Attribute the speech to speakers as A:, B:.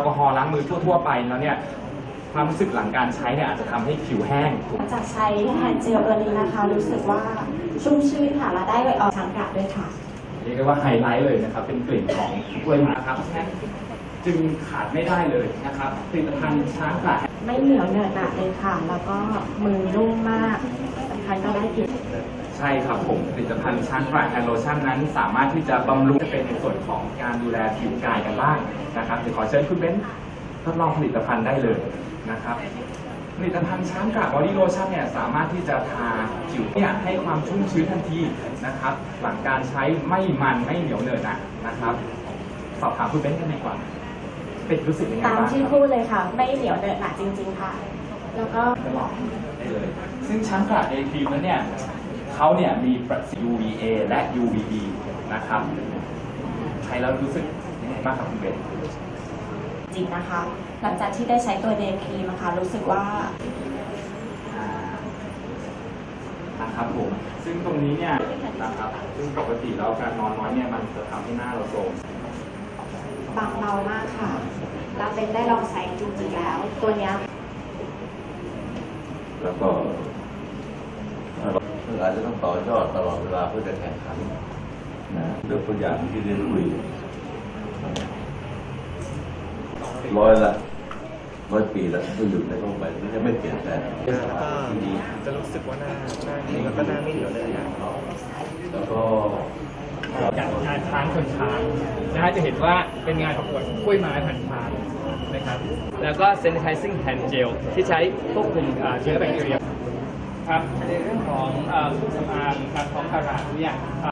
A: แอลกอฮอล์ล้างมือทั่วๆไปแล้วเนี่ยความรู้สึกหลังการใช้เนี่ยอาจจะทำให้ผิวแห้ง
B: หลังจากใช้แฮนด์เจลตัวนี้นะคะรู้สึกว่าชุ่มชื้นค่ะและได้ออกช้างกระด้วยค่ะ
A: เรียกได้ว่าไฮไลท์เลยนะครับเป็นกลิ่นของกล้วยไม้ครับจึงขาดไม่ได้เลยนะครับผลิตภัณฑ์ช้างกระ
B: ไม่เหนียวเหนอะหนะเลยค่ะแล้วก็มือนุ่มมากสำคัญก็ได้กลิ่น
A: ใช่ครับผมผลิตภัณฑ์ช้างกระแฮนด์โลชั่นนั้นสามารถที่จะบำรุงจะเป็นในส่วนของการดูแลผิวกายกันบ้างนะครับเดี๋ยวขอเชิญคุณเบนซ์ทดลองผลิตภัณฑ์ได้เลยนะครับผลิตภัณฑ์ช้างกระบอดี้โลชั่นเนี่ยสามารถที่จะทาผิวเนี่ยให้ความชุ่มชื้นทันทีนะครับหลังการใช้ไม่มันไม่เหนียวเหนอะหนะนะครับสอบถามคุณเบนซ์กันดีกว่าเป็นรู้สึกยังไงบ้าง
B: ตามที่พูดเลยค่ะไม่เหนียวเหนอะหนะจริงๆค่ะแล้วก็
A: ตลอดได้เลยซึ่งช้างกระเดย์ครีมนั้นเนี่ยเขาเนี่ยมีประสิทธิ์ UVA และ UVB นะครับใช้แล้วรู้สึกยังไงบ้างครับคุณเบนซ์
B: จริงนะคะหลังจากที่ได้ใช้ตัวเดย์ครีมนะคะรู้สึกว่า
A: นะครับผมซึ่งตรงนี้เนี่ยนะครับซึ่งปกติแล้วการนอนน้อยเนี่ยมันจะทำให้หน้าเราโทรม
B: บางเบามากค่ะเราเป็นได้ลองใช้จริงๆแล้วตัวเนี้ย
C: แล้วก็อาจจะต้องต่อยอดตลอดเวลาเพื่อจะแข่งขันนะเรื่องตัวอย่างที่ได้คุย100 ปีแล้วก็อยู่ในโลกใบนี้จะไม่เปลี่ยนแปลงที่ดี
D: จะรู้สึกว่าหน้าดีแล้วก็หน้าไม่เหนียวเลยนะ
C: แล้วก็
E: จากงานช้างชนช้างนะฮะจะเห็นว่าเป็นงานประกวดกล้วยไม้พันช้างนะครับแล้วก็ sanitizing hand gel ที่ใช้ควบคุมเชื้อแบคทีเรียครับในเรื่องของเครื่องสำอางครับของคาราเนี่ย